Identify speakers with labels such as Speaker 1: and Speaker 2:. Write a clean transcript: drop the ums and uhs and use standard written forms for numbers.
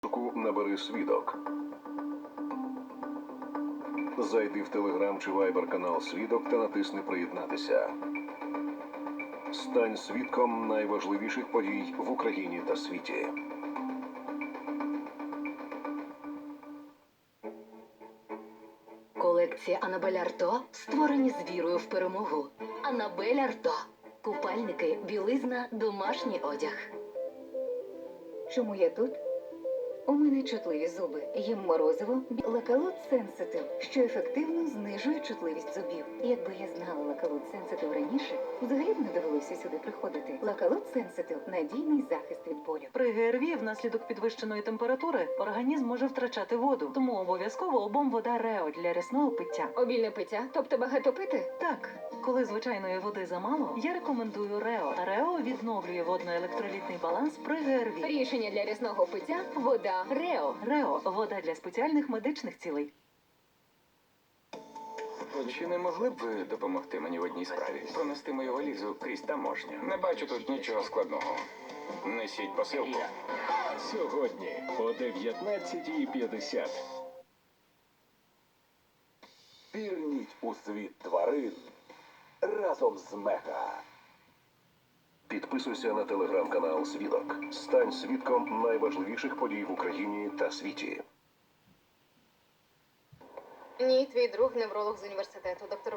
Speaker 1: Набери «Свідок». Зайди в Телеграм чи Вайбер канал «Свідок» та натисни «Приєднатися». Стань свідком найважливіших подій в Україні та світі.
Speaker 2: Колекція Анабель Арто створені з вірою в перемогу. Анабель Арто. Купальники, білизна, домашній одяг.
Speaker 3: Чому я тут? У мене чутливі зуби. Їм морозиво Лакалут Сенситив, що ефективно знижує чутливість зубів. Якби я знала Лакалут Сенситив раніше, взагалі б не довелося сюди приходити. Лакалут Сенситив – надійний захист від болю.
Speaker 4: При ГРВІ внаслідок підвищеної температури організм може втрачати воду, тому обов'язково обом вода Рео для рясного пиття.
Speaker 3: Обільне пиття? Тобто багато пити?
Speaker 4: Так, коли звичайної води замало, я рекомендую Рео. Рео відновлює водно-електролітний баланс при ГРВІ.
Speaker 3: Рішення для рясного пиття – вода Рео.
Speaker 4: Рео – вода для спеціальних медичних цілей.
Speaker 5: Чи не могли б ви допомогти мені в одній справі? Пронести мою валізу крізь таможню. Не бачу тут нічого складного. Несіть посилку.
Speaker 6: Сьогодні о 19:50. Пірніть у світ тварин разом з Мега.
Speaker 1: Підписуйся на телеграм-канал «Свідок». Стань свідком найважливіших подій в Україні та світі.
Speaker 7: Ні, твій друг невролог з університету, доктор